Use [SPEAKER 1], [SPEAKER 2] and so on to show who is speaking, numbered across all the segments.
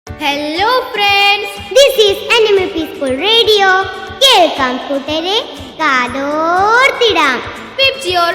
[SPEAKER 1] Hello friends,
[SPEAKER 2] This is Animal Peaceful Radio. കേൾക്കാം കൂട്ടരെ കാതോർത്തിടാം.
[SPEAKER 1] with your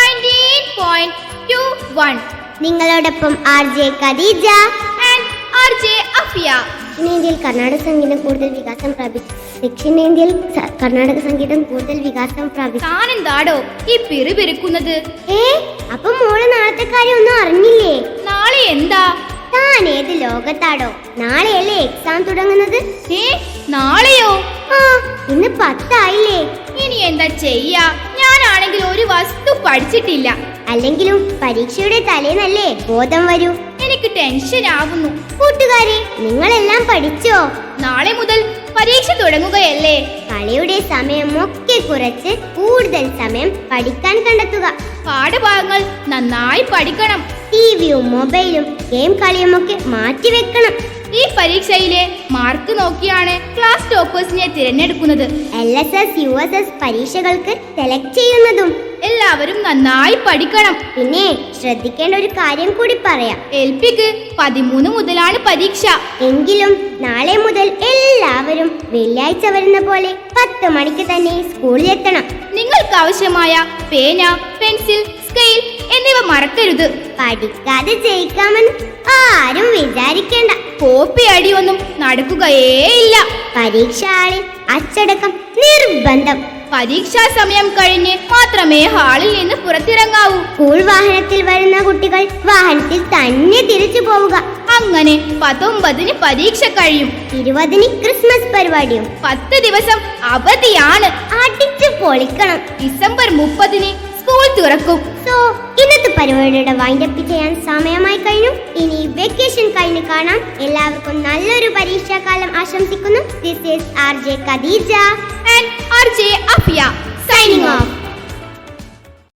[SPEAKER 1] 19.21
[SPEAKER 2] നിങ്ങളോടൊപ്പം RJ Khadeeja
[SPEAKER 1] and RJ Afia.
[SPEAKER 2] ദക്ഷിണേന്ത്യയിൽ കർണാടക സംഗീതം കൂടുതൽ വികാസം പ്രാപിച്ചു. ദക്ഷിണേന്ത്യയിൽ കർണാടക സംഗീതം കൂടുതൽ വികാസം പ്രാപിച്ചു.
[SPEAKER 1] താനെന്താടോ ഈ പിറുപിറുക്കുന്നത്?
[SPEAKER 2] അപ്പൊ മോള് നാളത്തെ കാര്യം ഒന്നും അറിഞ്ഞില്ലേ?
[SPEAKER 1] നാളെ എന്താ?
[SPEAKER 2] താൻ ഏത് ലോകത്താടോ? നാളെയല്ലേ എക്സാം തുടങ്ങുന്നത്?
[SPEAKER 1] നാളെയോ?
[SPEAKER 2] ഇന്ന് 10 ആയില്ലേ?
[SPEAKER 1] ഇനി എന്താ ചെയ്യാ? ഞാനാണെങ്കിൽ ഒരു വസ്തു പഠിച്ചിട്ടില്ല.
[SPEAKER 2] അല്ലെങ്കിലും പരീക്ഷയുടെ തലേന്നല്ലേ ബോധം വരൂ.
[SPEAKER 1] എനിക്ക് ടെൻഷൻ ആവുന്നു.
[SPEAKER 2] കൂട്ടുകാരെ, നിങ്ങളെല്ലാം പഠിച്ചോ?
[SPEAKER 1] നാളെ മുതൽ പരീക്ഷ തുടങ്ങുകയല്ലേ?
[SPEAKER 2] കളിയുടെ സമയമൊക്കെ കുറച്ച് കൂടുതൽ സമയം പഠിക്കാൻ കണ്ടെത്തുക.
[SPEAKER 1] പാഠഭാഗങ്ങൾ നന്നായി പഠിക്കണം.
[SPEAKER 2] ടിവിയും മൊബൈലും ഗെയിം കളിയുമൊക്കെ മാറ്റിവെക്കണം.
[SPEAKER 1] ഈ പരീക്ഷയിലെ മാർക്ക് നോക്കിയാണ് ക്ലാസ് ടോപ്പേഴ്സിനെ തിരഞ്ഞെടുക്കുന്നത്.
[SPEAKER 2] LSS USS പരീക്ഷകൾക്ക് സെലക്ട് ചെയ്യുന്നതും.
[SPEAKER 1] എല്ലാവരും നന്നായി പഠിക്കണം.
[SPEAKER 2] പിന്നെ ശ്രദ്ധിക്കേണ്ട ഒരു കാര്യം കൂടി പറയാം.
[SPEAKER 1] LPക്ക് 13 മുതലാണ് പരീക്ഷ.
[SPEAKER 2] എങ്കിലും നാളെ മുതൽ എല്ലാവരും വെള്ളിയാഴ്ച വരുന്ന പോലെ 10 മണിക്ക് തന്നെ സ്കൂളിലെത്തണം.
[SPEAKER 1] നിങ്ങൾക്ക് ആവശ്യമായ പേന, പെൻസിൽ, സ്കെയിൽ എന്നിവ മറക്കരുത്.
[SPEAKER 2] പഠിക്കാതെ ജയിക്കാമെന്ന് ആരും വിചാരിക്കേണ്ട.
[SPEAKER 1] കോപ്പി അടിയൊന്നും നടക്കുകയേയില്ല.
[SPEAKER 2] പരീക്ഷ ഹാളിൽ അച്ചടക്കം നിർബന്ധം.
[SPEAKER 1] പരീക്ഷാ സമയം കഴിഞ്ഞ് മാത്രമേ ഹാളിൽ നിന്ന് പുറത്തിറങ്ങാവൂ.
[SPEAKER 2] സ്കൂൾ വാഹനത്തിൽ വരുന്ന കുട്ടികൾ വാഹനത്തിൽ തന്നെ തിരിച്ചു പോവുക.
[SPEAKER 1] അങ്ങനെ 19-ന് പരീക്ഷ കഴിയും.
[SPEAKER 2] 20-ന് ക്രിസ്മസ് പരിപാടിയും.
[SPEAKER 1] 10 ദിവസം അവധിയാണ്.
[SPEAKER 2] അടിച്ചു പൊളിക്കണം.
[SPEAKER 1] ഡിസംബർ 30-ന് സ്കൂൾ തുറക്കും.
[SPEAKER 2] സോ ഇന്നത്തെ പരിപാടിയുടെ വൈൻഡപ്പ് ചെയ്യാൻ സമയമായി കഴിഞ്ഞു. ഇനി വെക്കേഷൻ കഴിഞ്ഞ് കാണാം. എല്ലാവർക്കും നല്ലൊരു പരീക്ഷാകാലം ആശംസിക്കുന്നു. This is RJ Khadeeja
[SPEAKER 1] and RJ Afia.